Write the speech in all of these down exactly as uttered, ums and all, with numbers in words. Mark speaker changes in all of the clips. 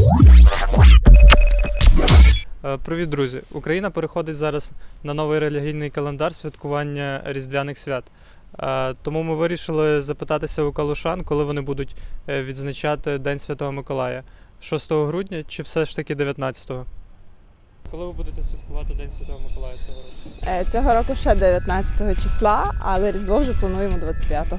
Speaker 1: Привіт, друзі! Україна переходить зараз на новий релігійний календар святкування різдвяних свят. Тому ми вирішили запитатися у калушан, коли вони будуть відзначати День Святого Миколая. шостого грудня чи все ж таки дев'ятнадцятого? Коли ви будете святкувати День Святого Миколая цього року?
Speaker 2: Цього року ще дев'ятнадцятого числа, але Різдво вже плануємо двадцять п'ятого.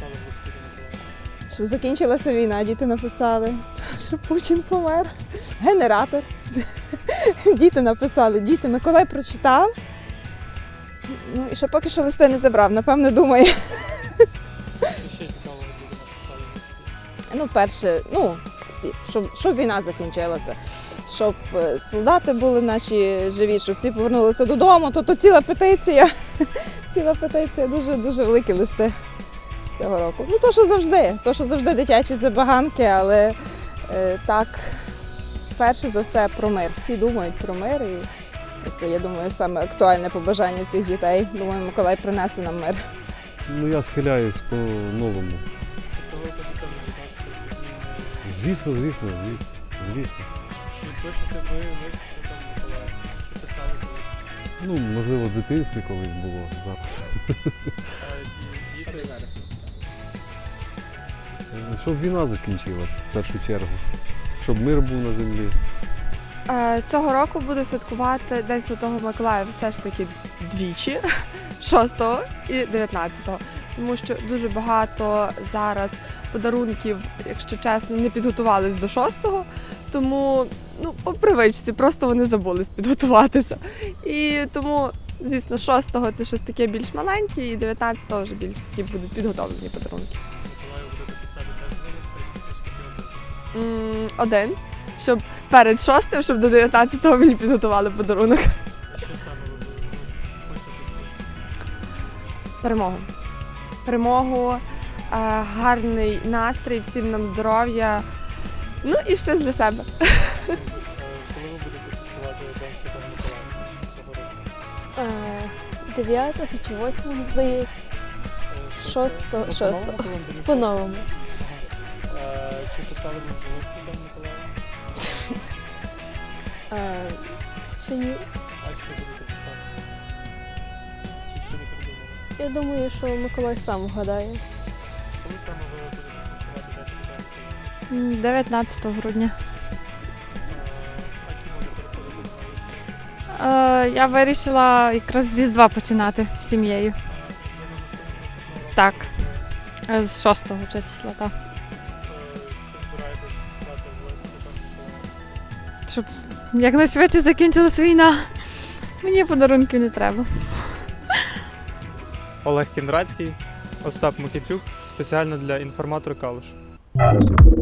Speaker 2: Щоб закінчилася війна, діти написали, щоб Путін помер. Генератор. Діти написали, діти, Миколай прочитав. Ну і ще поки що листи не забрав, напевно, думає.
Speaker 1: Що ще цікавого діти написали?
Speaker 2: Ну, перше, ну, щоб, щоб війна закінчилася, щоб солдати були наші живі, щоб всі повернулися додому, то, то ціла петиція. Ціла петиція, дуже-дуже великі листи цього року. Ну, то, що завжди, то, що завжди дитячі забаганки, але е, так, перше за все про мир. Всі думають про мир і це, я думаю, саме актуальне побажання всіх дітей. Думаю, Миколай принесе нам мир.
Speaker 3: Ну, я схиляюсь по-новому.
Speaker 1: Тобто ви позитивно відноситесь до зміни?
Speaker 3: Звісно, звісно, звісно, звісно.
Speaker 1: Чи пишете ви лист Святому Миколаю? Чи писали колись?
Speaker 3: Ну, можливо, в дитинстві колись було запис.
Speaker 1: А діти зараз?
Speaker 3: Щоб війна закінчилась, в першу чергу. Щоб мир був на землі.
Speaker 4: Цього року буду святкувати День Святого Миколая все ж таки двічі, шостого і дев'ятнадцятого. Тому що дуже багато зараз подарунків, якщо чесно, не підготувались до шостого, тому ну, по привичці, просто вони забулись підготуватися. І тому, звісно, шостого це щось таке більш маленьке, і дев'ятнадцятого вже більш такі будуть підготовлені подарунки.
Speaker 1: Миколаю будете писати теж листи, чи все ж таки один?
Speaker 4: М, Один, щоб перед шостим, щоб до дев'ятнадцятого мені підготували подарунок.
Speaker 1: А що саме ви будете хочете?
Speaker 4: Перемогу. Перемогу, е, гарний настрій, всім нам здоров'я, ну і щось для себе.
Speaker 1: Коли ви будете святкувати День Святого Миколая цього року?
Speaker 5: дев'ятого чи восьмого, здається. Шостого,
Speaker 1: Ну,
Speaker 5: шостого.
Speaker 1: по-новому календарю?
Speaker 5: По-новому.
Speaker 1: Ага. Е, Чи писали ви вже лист Святому Миколаю?
Speaker 5: А, ще ні.
Speaker 1: А що будете писати? Чи ще не придумали?
Speaker 5: Я думаю, що Миколай сам вгадає.
Speaker 1: Коли саме ви будете святкувати День Святого Миколая?
Speaker 6: дев'ятнадцятого грудня.
Speaker 1: А чому не переходите на листи?
Speaker 6: Е, я вирішила якраз з Різдва починати з сім'єю.
Speaker 1: Вже на наступного року?
Speaker 6: Так. Е, З шостого вже числа, так.
Speaker 1: Е, Що збираєтесь писати в лист Святому Миколаю?
Speaker 6: Щоб якнайшвидше закінчилась війна. Мені подарунків не треба.
Speaker 1: Олег Кіндрацький, Остап Микитюк, спеціально для інформатора Калуш.